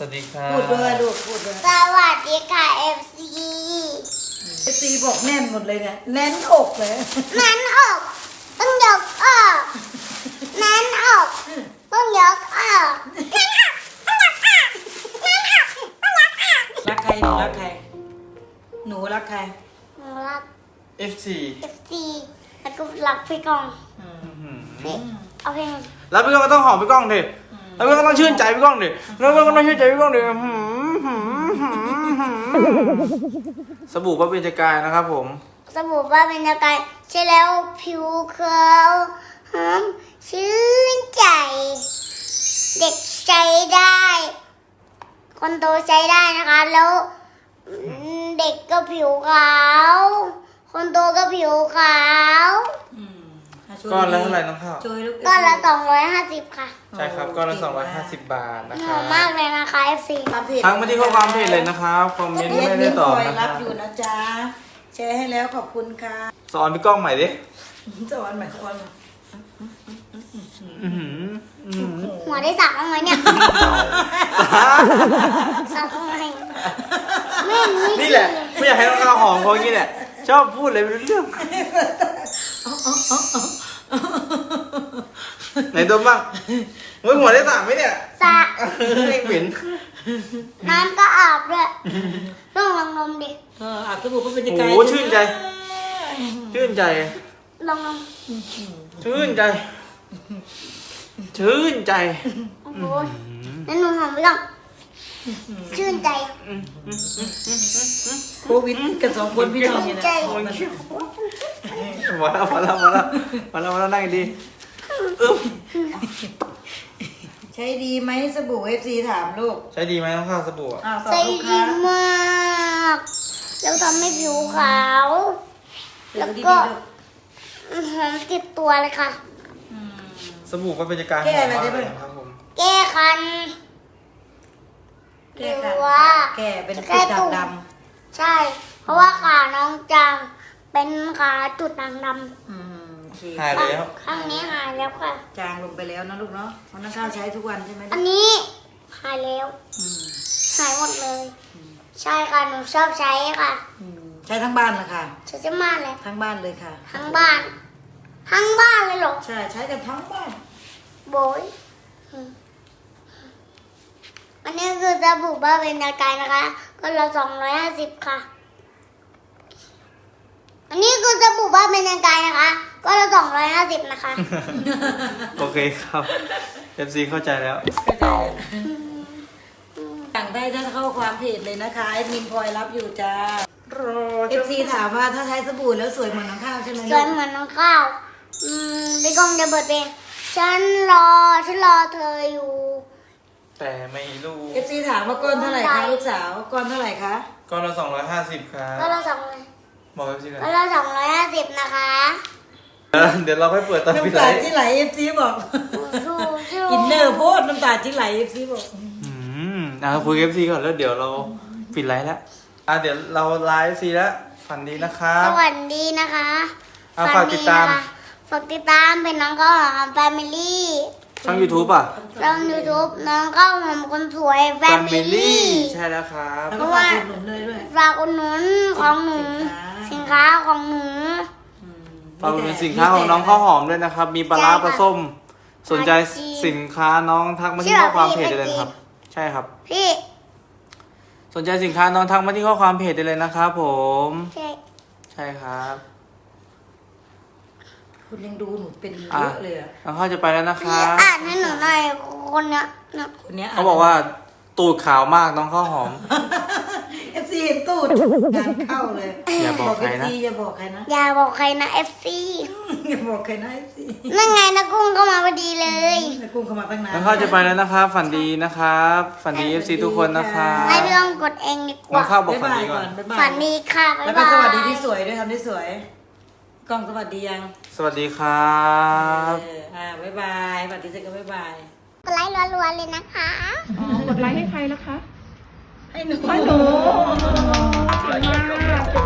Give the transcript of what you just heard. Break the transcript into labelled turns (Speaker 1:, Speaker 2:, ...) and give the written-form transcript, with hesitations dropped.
Speaker 1: วัสดีค่ะ
Speaker 2: พูดด้วยลูกพูดด้วย
Speaker 3: สวัสดีค่ะ FC
Speaker 2: บอกแน่นหมดเลยเนี่ยแน่นอกเลย
Speaker 3: นั้นออกต้องยกออกนั้นออกต้องยกออก
Speaker 2: รักใครหนูรักใครหนูรักใคร
Speaker 3: หนูรัก
Speaker 1: FC
Speaker 3: FC แล้วก็รักพี่กองเอาเพลง
Speaker 1: แล้วพี่ก้องก็ต้องหอมพี่ก้องดิแล้วพี่ก้องก็ต้องชื่นใจพี่ก้องดิแล้วพี่ก้องก็ต้องชื่นใจพี่ก้องดิสบู่พระเบญจกายนะครับผม
Speaker 3: สบู่ว่าเป็นยังไงใช่แล้วผิวขาวหอมชื่นใจ เด็กใช้ได้ คนโตใช้ได้นะคะ แล้วเด็กก็ผิวขาว คนโตก็ผิวขาว
Speaker 1: ก้อนละเท่าไหร่น้องข้าว
Speaker 3: ก้อนละ250ค่ะ
Speaker 1: ใช่ครับก้อนละ250 บาทนะ
Speaker 3: ห
Speaker 1: ครั
Speaker 3: อบ มมากเลยนะคะ FC
Speaker 1: ทั้งมาที่ข้อความเพจเลยนะครับคอมเมนต์ไม่ได้ตอบนะค
Speaker 2: รั
Speaker 1: รั
Speaker 2: บบ อยู่นะจ๊ะแชร์ให้แล้วขอบคุณค่ะ
Speaker 1: สอนพี่ก้องใหม่ดิ
Speaker 2: สวัสดีค่ะ
Speaker 3: หัวได้สักบ้างไหมเนี่ยสักบ้างไหมไม่มี
Speaker 1: นี่แหละไม่อยากให้น้องข้าวหอมเขาอย่างนี้แหละชอบพูดอะไรไม่รู้เรื่องไหนดมบ้างเฮ้ยหัวได้สามไหมเนี่ย
Speaker 3: สระ
Speaker 1: ไม่เหม็น
Speaker 3: น้ำก็อาบด้วยต้องลองนมดิ
Speaker 2: อาบสบู่ก็เป็น
Speaker 1: โอ้
Speaker 2: ยังไง
Speaker 1: โหชื่นใจ ชื่นใจ
Speaker 3: ลองนม
Speaker 1: ชื่นใจ ชื่นใจ
Speaker 3: โอ้โหนั่นหนูหอมไปก่อนชื่นใจ
Speaker 2: โควิดกัน2 คนพี่น้องเนี่ยนะ
Speaker 1: มาแล้วนั่งดีอึ๊บ
Speaker 2: ใช้ดีไหมสบู่ FC ถามลูก
Speaker 1: ใช้ดีไหมน้องข้าวสบู่อะ
Speaker 2: ตอบ
Speaker 3: ใส่
Speaker 2: ลูก
Speaker 3: ดี
Speaker 2: ค้าม
Speaker 3: ากแล้วทำให้ผิวขาว แล้ว
Speaker 2: ดี
Speaker 3: ก็
Speaker 2: ๆลูก
Speaker 3: หอมติดตัวเลยค่ะ
Speaker 1: สบู่ก็เป็นจากการ
Speaker 2: แก้อะไรได้บ้าง
Speaker 1: ครับผม
Speaker 3: แก้คัน
Speaker 2: แก้ค่ะ
Speaker 3: หรือว่า
Speaker 2: แก้เป็น
Speaker 3: แก้
Speaker 2: จุด
Speaker 3: ตุ่ม
Speaker 2: ดำ
Speaker 3: ใช่ เพราะว่าขาน้องจางเป็นขาจุดด่างด
Speaker 2: โอเค
Speaker 1: หาย
Speaker 3: ำ
Speaker 1: แล้ว
Speaker 3: ข้างนี้หายแล้วค่ะ
Speaker 2: จางลงไปแล้วนะลูกเนาะเพราะนักข้าวใช้ทุกวันใช่ไหม
Speaker 3: อันนี้หายแล้ว หายหมดเลย ใช่ค่ะ หนูชอบใช้ค่ะ
Speaker 2: ใช้ทั้งบ้านเลยค่ะ
Speaker 3: ใช้จะมาเลย
Speaker 2: ทั้งบ้านเลยค่ะ
Speaker 3: ทั้งบ้าน ทั้งบ้านเลยเหรอ
Speaker 2: ใช่ใช้กันทั้งบ้าน
Speaker 3: โบยอันนี้คือสบู่บ้าเป็นตะกายนะคะ ก็ละ250ค่ะ อันนี้คือสบู่บ้าเป็นตะกายนะคะ ก็ละ250นะคะ
Speaker 1: โอเคครับ FC เข้าใจแล้ว
Speaker 2: สั่งได้ถ้าเข้าความเพจเลยนะคะแอดมินพลอยรับอยู่จ้า
Speaker 1: รอ
Speaker 2: FC ถามว่าถ้าใช้สบู่แล้วสวยเหมือนน้องข้าวใช่ไหม
Speaker 3: สวยเหมือนน้องข้าวพี่กองจะเปิดเพลงฉันรอเธออยู่
Speaker 1: แต่ไม่รู้
Speaker 2: เอฟซีถามว่าก้อนเท่าไหร่คะลูกสาวก้อนเท่าไหร่คะ
Speaker 1: ก้อนละ250ครับ
Speaker 3: ก็ละ
Speaker 1: บอก FC เลย
Speaker 3: 250นะคะ
Speaker 1: เดี๋ยวเราค่อยเปิดตอนพี่
Speaker 2: น้ำ
Speaker 1: ไล
Speaker 2: ตา
Speaker 1: ฟ์
Speaker 2: ที่ไหลเอฟซีบอกอินเนอร์โพดน้ำตาที่ไหลเอฟซีบอก
Speaker 1: คุย FC ก่อนแล้วเดี๋ยวเราปิดไลฟ์แล้วเดี๋ยวเราไลฟ์ FC แล้วฝันดีนะครับ
Speaker 3: สวัสดีนะคะ
Speaker 1: ฝากติดตาม
Speaker 3: ฝากติดตามเป็นน้องข้าวหอมแฟมิลี่
Speaker 1: ช่อง YouTube อ่ะ
Speaker 3: ช่อง YouTube น้องข้าวหอมคนสวยแฟมิลี่
Speaker 1: ใช่แล้วครับ
Speaker 2: แล้วก็ฝากอุดหนุนเลยด้วย
Speaker 3: ฝากอุดหนุนของหนูสินค้าของหนู
Speaker 1: ฝากเป็นสินค้าของน้องข้าวหอมด้วยนะครับ มีปลาร้าปลาส้ม สนใจสินค้าน้องทักมาที่ข้อความเพจได้เลยนะครับ ใช่ครับ
Speaker 3: พี่
Speaker 1: สนใจสินค้าน้องทักมาที่ข้อความเพจได้เลยนะครับผม
Speaker 3: เจ๊
Speaker 1: ใช่ครับ
Speaker 2: คุณยังดูหนูเป็นเยอะเลยอะ
Speaker 1: น้องข้าวจะไปแล้วนะค
Speaker 3: พี่
Speaker 1: รับ
Speaker 3: อ่านให้หนูหน่อยคนเนี้ยนะ
Speaker 2: คนเนี้ย
Speaker 1: เขาบอกว่าตูดขาวมากน้องข้าวหอม
Speaker 2: เอฟซีเห็นตูดงานเข้าเลย
Speaker 1: อย่าบอกใครนะ
Speaker 2: เอฟซีอย่าบอกใครนะ
Speaker 3: อย่าบอกใครนะ FC
Speaker 2: อย่าบอกใครนะเอฟซี
Speaker 3: นั่นไงนะกุ้งก็มาพอดีเลย
Speaker 2: กุ้งเข้ามาตั้งนาน
Speaker 1: น้องข้าวจะไปแล้วนะครับ ฝันดีนะครับ ฝันดี FC ทุกคนนะครับ
Speaker 3: ให้พี่ต้องกดเองดีก
Speaker 1: น้อง
Speaker 3: ว่า
Speaker 1: ข้าวบอก
Speaker 2: บ๊าย
Speaker 1: ฝัน
Speaker 2: บาย
Speaker 1: ดีก่
Speaker 2: ก่
Speaker 1: อ
Speaker 2: อน นบ๊ายบาย
Speaker 3: ฝันดีค่ะ บ๊าย
Speaker 2: แล้วก็
Speaker 3: บาย
Speaker 2: สวัสดีที่สวยด้วยทำที่สวยกล้องสวัสดียัง
Speaker 1: สวัสดีครับ
Speaker 2: บ๊ายบายสวัสดีเสร็จก็บ๊ายบาย
Speaker 3: กดไลค์รัวๆเลยนะคะ
Speaker 4: กดไลค์ให้ใครล่ะคะ
Speaker 2: ให้หนู
Speaker 4: ให้หนูเก่งมาก